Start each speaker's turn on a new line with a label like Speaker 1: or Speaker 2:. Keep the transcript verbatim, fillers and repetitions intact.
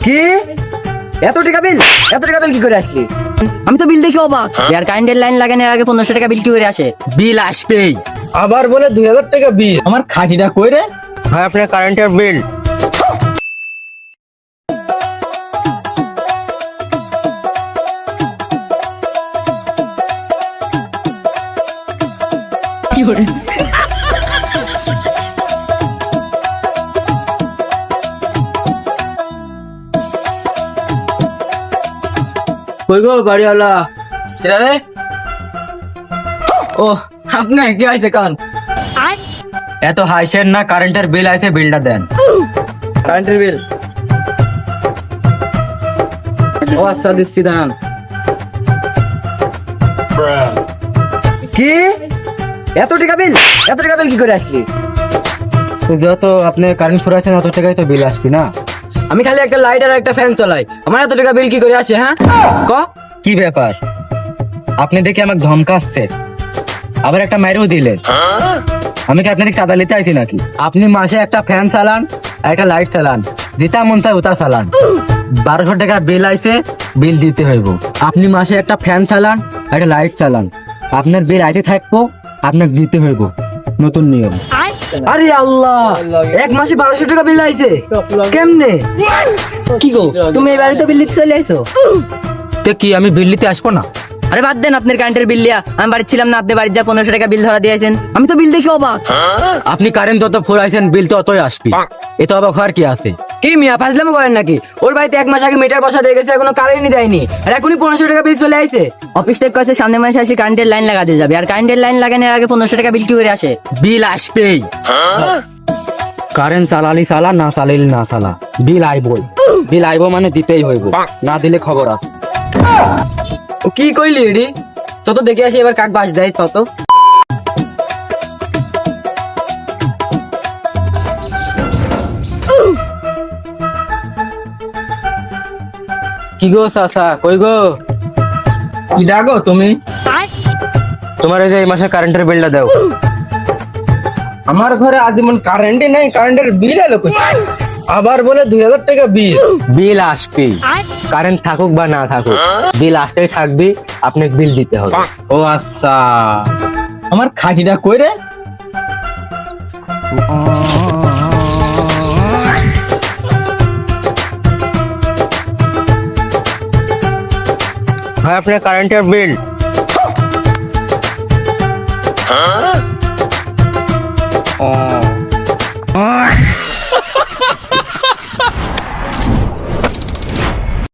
Speaker 1: কি এত টাকা বিল এত টাকা বিল কি করে আসলি? আমি তো বিল দেখে অবাক। আর কারেন্টের লাইন লাগানোর আগে পনেরোশো টাকা বিল কি করে আসে?
Speaker 2: বিল আসবেই।
Speaker 3: আবার বলে দুই হাজার টাকা বিল।
Speaker 2: আমার খাঁটিটা কই রে? ভাই আপনার কারেন্টের বিল।
Speaker 3: কই গো বাড়িওয়ালা?
Speaker 2: সেটা রে? ও আপনার কি হয়েছে কান? এত হাইছেন না, কারেন্টের বিল আছে, বিলটা দেন।
Speaker 1: কারেন্টের বিল ও আচ্ছা দিচ্ছি দাঁড়ান। কি এত টাকা বিল এত টাকা বিল কি করে আসলি?
Speaker 2: তো যত আপনি কারেন্ট ফুরাইছেন অত টাকাই তো বিল আসবি না?
Speaker 1: আমি খালি একটা লাইট আর একটা ফ্যান চালাই, আমার এত টাকা বিল কি করে আসে? হ্যাঁ ক
Speaker 2: কি ব্যাপার? আপনি দেখে আমাকে ধমকাচ্ছে, আবার একটা মাইরেও দিলেন। আমি কি আপনাদের চাঁদা নিতে আইছি নাকি? আপনি মাসে একটা ফ্যান চালান আর একটা লাইট চালান, যেটা মন চায় ওটা চালান। বারোশো টাকা বিল আইছে, বিল দিতে হইব। আপনি মাসে একটা ফ্যান চালান আর একটা লাইট চালান, আপনার বিল আইতে থাকবো, আপনাকে দিতে হইব। নতুন নিয়ম।
Speaker 1: আরে আল্লাহ, এক মাসে বারোশো টাকা বিল আইছে কেমনে? কি গো তুমি এই বাড়িতে বিল দিতে চলে আইছো?
Speaker 2: তো কি আমি বিল দিতে আসবো না?
Speaker 1: আরে বাদ দেন আপনার কারেন্টের বিল লিয়া, আমি বাড়ি ছিলাম না, আপনি বাড়ির যা পনেরোশো টাকা বিল ধরা দিয়েছেন। আমি তো বিল দেখে অবাক।
Speaker 2: আপনি কারেন্ট যত ফুরাইছেন বিল তো অতই আসবি, এত অবাক হওয়ার কি আছে?
Speaker 1: কি মিয়া ফাজলামো করেন নাকি? ওর বাড়িতে এক মাস আগে মিটার বসা দিয়ে গেছে, এখনো কারেন্টই দেয়নি, আর এখনই পনেরোশো টাকা বিল চলে আইছে। অফিস থেকে কাছে সামনে মাসে আসি কারেন্টের লাইন লাগাতে যাবে, আর কারেন্টের লাইন লাগানোর আগে পনেরোশো টাকা বিল কি করে আসে?
Speaker 2: বিল আসবেই। কারেন্ট চালালি চালা, না চালালি না চালা, বিল আইবই। বিল আইব মানে দিতেই হইব, না দিলে খবর আছে।
Speaker 1: ও কি কইলি এডি? চত দেখে আসি এবার কাক বাস দেয় চত।
Speaker 2: কি গো চাচা, কই গো?
Speaker 3: কি ডাকো তুমি?
Speaker 2: তোমার এই যে এই মাসে কারেন্টের বিলটা দাও।
Speaker 3: আমার ঘরে আজীবন কারেন্টই নাই, কারেন্টের বিল এলো কই? আবার বলে দুই হাজার টাকা বিল।
Speaker 2: বিল আসবেই, কারেন্ট থাকুক বা না থাকুক, বিল আসতেই থাকবি, আপনাকে বিল দিতে হবে।
Speaker 3: ও আচ্ছা, আমার খাঁটিটা কই রে?
Speaker 2: ভাই আপনার কারেন্টের বিল। ও